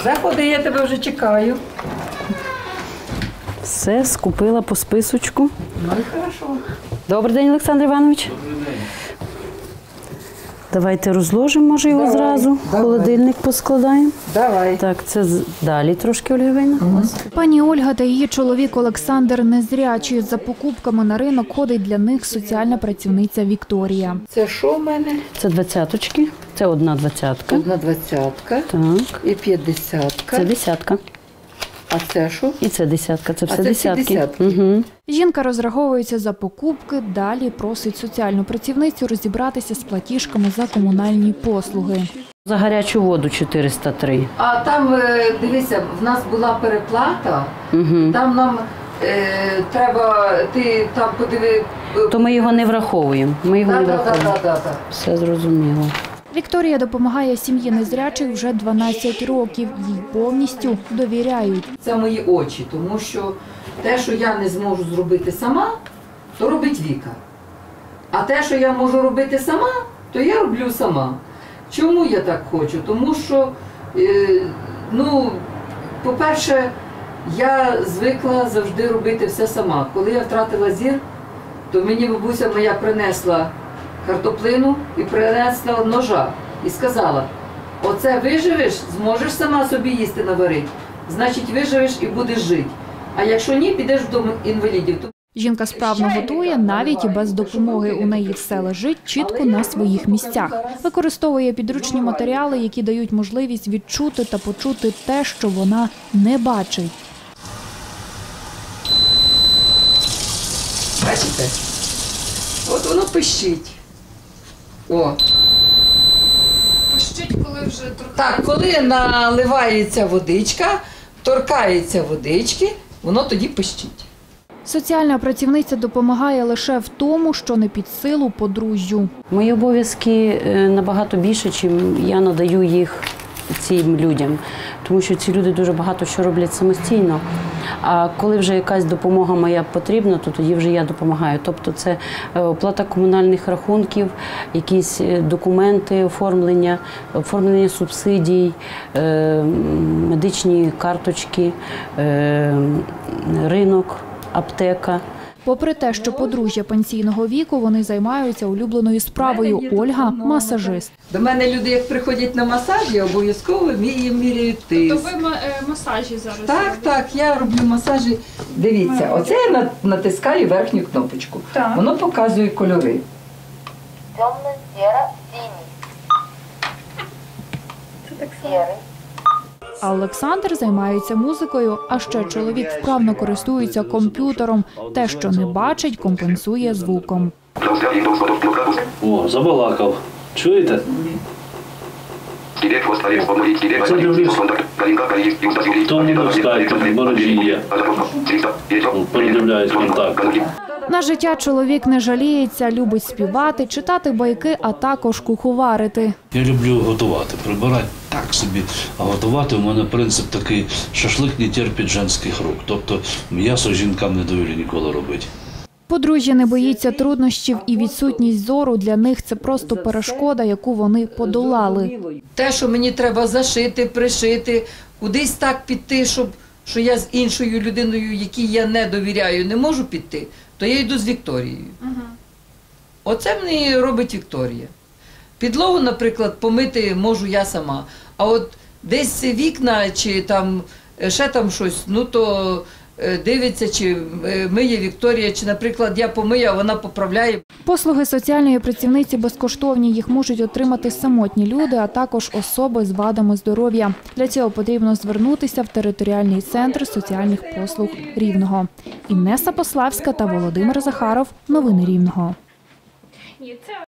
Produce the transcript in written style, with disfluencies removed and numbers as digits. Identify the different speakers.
Speaker 1: Заходи, я тебе вже чекаю.
Speaker 2: Все, скупила по списочку.
Speaker 1: Ну і хорошо.
Speaker 2: Добрий день, Олександр Іванович.
Speaker 3: Добрий день.
Speaker 2: Давайте розложимо, може, його
Speaker 1: Давай,
Speaker 2: зразу. В
Speaker 1: давай.
Speaker 2: холодильник поскладаємо.
Speaker 1: Давай.
Speaker 2: Так, це далі трошки, Ольга Іванівна.
Speaker 4: Пані Ольга та її чоловік Олександр незрячі. За покупками на ринок ходить для них соціальна працівниця Вікторія.
Speaker 1: Це що в мене?
Speaker 2: Це 20-очки. Це одна 20-ка.
Speaker 1: Одна 20-ка
Speaker 2: Так.
Speaker 1: і 50-ка.
Speaker 2: Це 10-ка.
Speaker 1: А це що?
Speaker 2: І це 10-ка. Це все
Speaker 1: це всі
Speaker 2: 10-ки.
Speaker 1: десятки.
Speaker 2: Угу.
Speaker 4: Жінка розраховується за покупки, далі просить соціальну працівницю розібратися з платіжками за комунальні послуги.
Speaker 2: За гарячу воду 403.
Speaker 1: А там, дивися, в нас була переплата,
Speaker 2: Угу.
Speaker 1: там нам треба, ти там подиви.
Speaker 2: То ми його не враховуємо. Ми його не враховуємо.
Speaker 1: Так.
Speaker 2: Все зрозуміло.
Speaker 4: Вікторія допомагає сім'ї незрячих вже 12 років. Їй повністю довіряють.
Speaker 1: Це мої очі, тому що те, що я не зможу зробити сама, то робить Віка. А те, що я можу робити сама, то я роблю сама. Чому я так хочу? Тому що, по-перше, я звикла завжди робити все сама. Коли я втратила зір, то мені бабуся моя принесла картоплину і принесла ножа і сказала: оце виживеш, зможеш сама собі їсти наварити, значить виживеш і будеш жити. А якщо ні, підеш в дом інвалідів.
Speaker 4: Жінка справно готує, навіть і без допомоги. У неї все лежить чітко на своїх місцях. Використовує підручні матеріали, які дають можливість відчути та почути те, що вона не бачить.
Speaker 1: Бачите? От воно пищить. О.
Speaker 5: Пищить, коли вже
Speaker 1: Так, коли наливається водичка, торкається водички, воно тоді пищить.
Speaker 4: Соціальна працівниця допомагає лише в тому, що не під силу подружжю.
Speaker 2: Мої обов'язки набагато більше, чим я надаю їх цим людям. Тому що ці люди дуже багато що роблять самостійно. А коли вже якась допомога моя потрібна, то тоді вже я допомагаю. Тобто це оплата комунальних рахунків, якісь документи, оформлення субсидій, медичні карточки, ринок, аптека.
Speaker 4: Попри те, що подружжя пенсійного віку, вони займаються улюбленою справою. Ольга – масажист.
Speaker 1: До мене люди, як приходять на масажі, обов'язково їм міряють тиск.
Speaker 5: То ви масажі зараз
Speaker 1: Так, я роблю масажі. Дивіться, оце я натискаю верхню кнопочку.
Speaker 5: Так.
Speaker 1: Воно показує кольори.
Speaker 6: Темно-серо-синий. Серый.
Speaker 4: А Олександр займається музикою, а ще чоловік вправно користується комп'ютером. Те, що не бачить, компенсує звуком.
Speaker 3: О, забалакав. Чуєте? Це дивлюсь. Тому на скайпі, в мережі є. Передивляюсь контакти.
Speaker 4: На життя чоловік не жаліється, любить співати, читати байки, а також куховарити.
Speaker 3: Я люблю готувати, прибирати так собі. А готувати у мене принцип такий: шашлик не терпить женських рук. Тобто м'ясо жінкам не довірю ніколи робити.
Speaker 4: Подружжя не боїться труднощів, і відсутність зору для них – це просто перешкода, яку вони подолали.
Speaker 1: Те, що мені треба зашити, пришити, кудись так піти, що я з іншою людиною, якій я не довіряю, не можу піти, то я йду з Вікторією. Оце мені робить Вікторія. Підлогу, наприклад, помити можу я сама. А от десь вікна чи там ще там щось, то дивиться, чи миє Вікторія, чи, наприклад, я помию, а вона поправляє.
Speaker 4: Послуги соціальної працівниці безкоштовні. Їх можуть отримати самотні люди, а також особи з вадами здоров'я. Для цього потрібно звернутися в територіальний центр соціальних послуг Рівного. Інеса Пославська та Володимир Захаров. Новини Рівного.